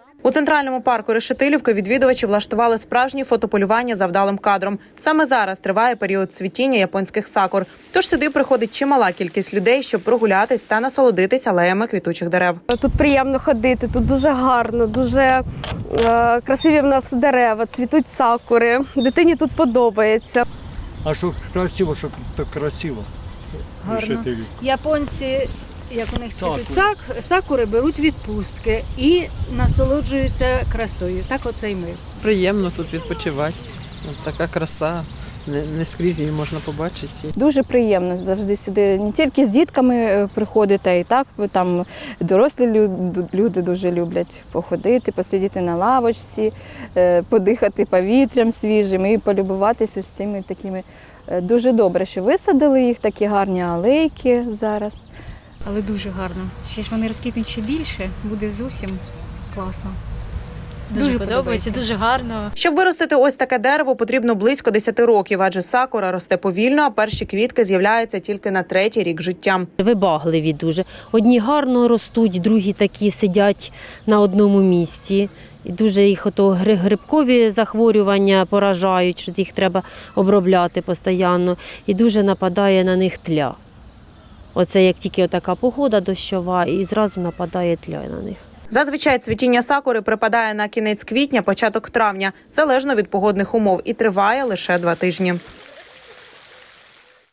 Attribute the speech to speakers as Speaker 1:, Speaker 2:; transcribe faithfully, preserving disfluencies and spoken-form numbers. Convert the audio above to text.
Speaker 1: У центральному парку Решетилівки відвідувачі влаштували справжнє фотополювання за вдалим кадром. Саме зараз триває період цвітіння японських сакур. Тож сюди приходить чимала кількість людей, щоб прогулятись та насолодитись алеями квітучих дерев.
Speaker 2: Тут приємно ходити, тут дуже гарно, дуже е, красиві в нас дерева, цвітуть сакури. Дитині тут подобається.
Speaker 3: А що красиво, що так красиво.
Speaker 4: Гарно. Японці, як у них цвітуть сак, сакури, беруть відпустки і насолоджуються красою. Так оце й ми.
Speaker 5: Приємно тут відпочивати. От така краса. Не, не скрізь її можна побачити.
Speaker 6: Дуже приємно завжди сюди не тільки з дітками приходити, а і так там дорослі люди, люди дуже люблять походити, посидіти на лавочці, подихати повітрям свіжим і полюбуватися з цими такими. Дуже добре, що висадили їх, такі гарні алейки зараз.
Speaker 7: Але дуже гарно. Ще ж вони розквітнуть ще більше, буде зовсім класно. Дуже, дуже подобається, дуже гарно.
Speaker 1: Щоб виростити ось таке дерево, потрібно близько десяти років, адже сакура росте повільно, а перші квітки з'являються тільки на третій рік життя.
Speaker 8: Вибагливі дуже. Одні гарно ростуть, другі такі сидять на одному місці. І дуже їх ото грибкові захворювання поражають, що їх треба обробляти постійно. І дуже нападає на них тля. Оце як тільки така погода дощова, і зразу нападає тля на них.
Speaker 1: Зазвичай цвітіння сакури припадає на кінець квітня, початок травня, залежно від погодних умов, і триває лише два тижні.